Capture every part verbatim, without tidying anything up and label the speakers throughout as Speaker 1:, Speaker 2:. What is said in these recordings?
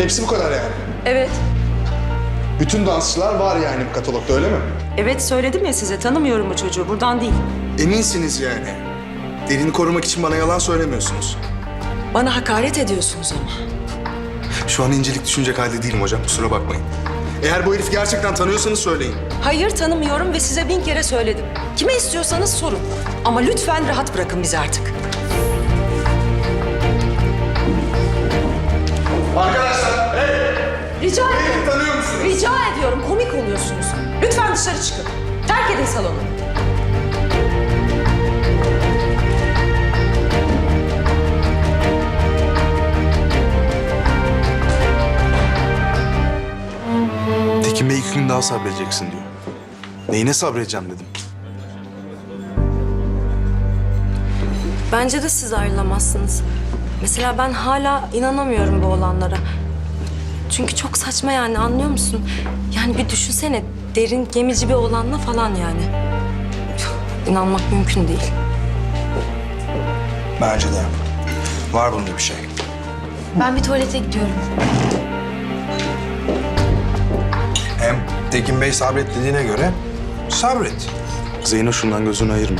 Speaker 1: Hepsi bu kadar yani.
Speaker 2: Evet.
Speaker 1: Bütün dansçılar var yani bu katalogda, öyle mi?
Speaker 2: Evet söyledim ya size, tanımıyorum bu çocuğu. Buradan değil.
Speaker 1: Eminsiniz yani. Derini korumak için bana yalan söylemiyorsunuz.
Speaker 2: Bana hakaret ediyorsunuz ama.
Speaker 1: Şu an incelik düşünecek halde değilim hocam, kusura bakmayın. Eğer bu herifi gerçekten tanıyorsanız söyleyin.
Speaker 2: Hayır, tanımıyorum ve size bin kere söyledim. Kime istiyorsanız sorun. Ama lütfen rahat bırakın bizi artık.
Speaker 1: Arkadaşlar, hey!
Speaker 2: Rica
Speaker 1: Bu
Speaker 2: ediyorum.
Speaker 1: herifi tanıyor musunuz?
Speaker 2: Rica ediyorum, komik oluyorsunuz. Lütfen dışarı çıkın. Terk edin salonu.
Speaker 1: Tekin Bey iki gün daha sabredeceksin diyor. Neyine sabredeceğim dedim.
Speaker 3: Bence de siz ayrılamazsınız. Mesela ben hala inanamıyorum bu olanlara. Çünkü çok saçma yani, anlıyor musun? Yani bir düşünsene, derin gemici bir oğlanla falan yani. İnanmak mümkün değil.
Speaker 4: Bence de. Var bunda bir şey.
Speaker 5: Ben bir tuvalete gidiyorum.
Speaker 4: Hem Tekin Bey sabret dediğine göre sabret.
Speaker 1: Zeyno şundan gözünü ayırma.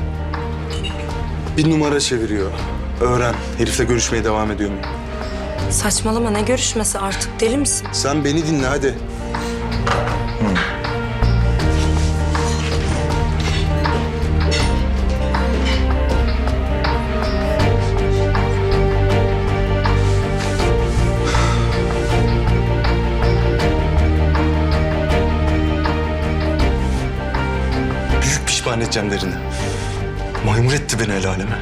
Speaker 1: Bir numara çeviriyor. Öğren, herifle görüşmeye devam ediyor mu?
Speaker 3: Saçmalama, ne görüşmesi artık, deli misin?
Speaker 1: Sen beni dinle hadi. Büyük pişman edeceğim derini. Maymur etti beni el aleme.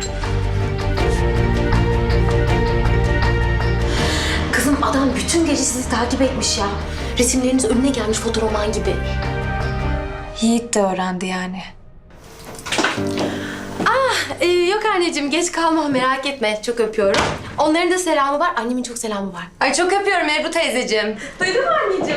Speaker 5: Kızım adam bütün gece sizi takip etmiş ya. Resimleriniz önüne gelmiş fotoroman gibi.
Speaker 6: Yiğit de öğrendi yani.
Speaker 5: Ee, yok anneciğim geç kalma merak etme. Çok öpüyorum. Onların da selamı var. Annemin çok selamı var.
Speaker 6: Ay çok öpüyorum Ebru teyzeciğim.
Speaker 5: Duydun mu anneciğim?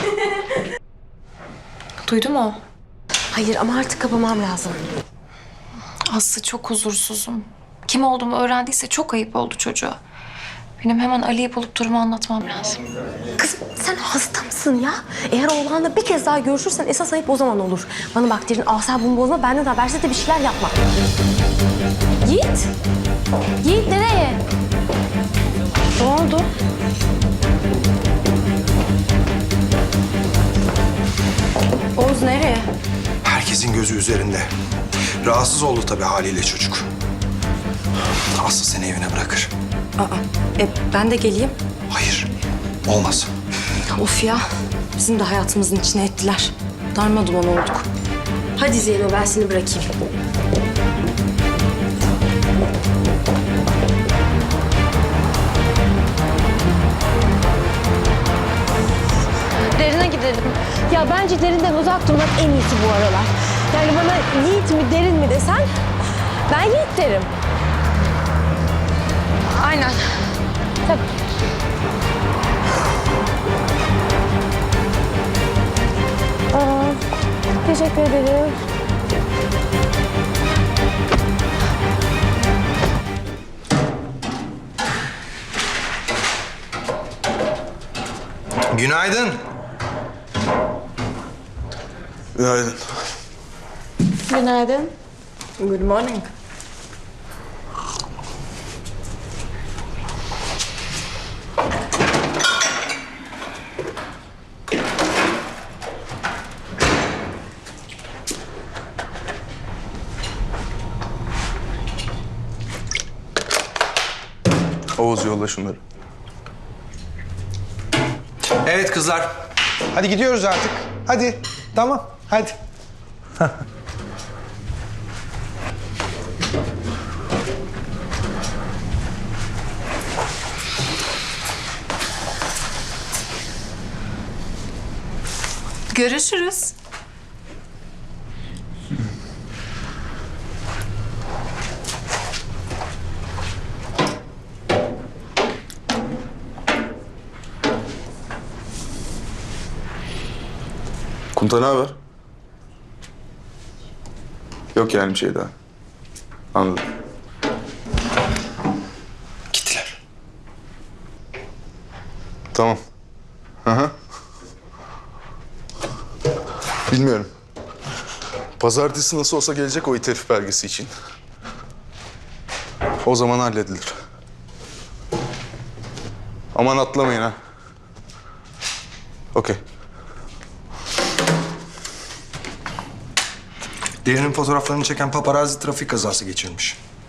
Speaker 6: Duydu mu?
Speaker 5: Hayır ama artık kapamam lazım.
Speaker 6: Aslı çok huzursuzum. Kim olduğumu öğrendiyse çok ayıp oldu çocuğa. Benim hemen Ali'yi bulup durumu anlatmam lazım.
Speaker 5: Kızım sen hasta mısın ya? Eğer oğlanla bir kez daha görüşürsen esas ayıp o zaman olur. Bana bak derin asabımı bozma, benden habersiz de bir şeyler yapma. Yiğit! Yiğit nereye? Ne oldu? Oğuz nereye?
Speaker 4: Herkesin gözü üzerinde. Rahatsız oldu tabii haliyle çocuk. Aslı seni evine bırakır.
Speaker 3: Aa, e, ben de geleyim.
Speaker 4: Hayır, olmaz.
Speaker 3: Of ya, bizim de hayatımızın içine ettiler. Darma duman olduk.
Speaker 5: Hadi Zeyno ben seni bırakayım. Derine gidelim. Ya bence derinden uzak durmak en iyisi bu aralar. Yani bana Yiğit mi derin mi desen ben Yiğit derim.
Speaker 6: Aynen.
Speaker 5: Tabii. Aa, teşekkür ederim.
Speaker 4: Günaydın.
Speaker 1: Günaydın.
Speaker 5: Günaydın.
Speaker 3: Good morning.
Speaker 1: Oğuz yolla şunları.
Speaker 4: Evet kızlar. Hadi gidiyoruz artık. Hadi. Tamam. Hadi.
Speaker 6: Görüşürüz.
Speaker 1: Kunta ne haber? Yok yani bir şey daha. Anladım.
Speaker 4: Gittiler.
Speaker 1: Tamam. Hı hı. Bilmiyorum. Pazartesi nasıl olsa gelecek o itelif belgesi için. O zaman halledilir. Aman atlamayın ha. Okey.
Speaker 4: Derin'in fotoğraflarını çeken paparazzi trafik kazası geçirmiş.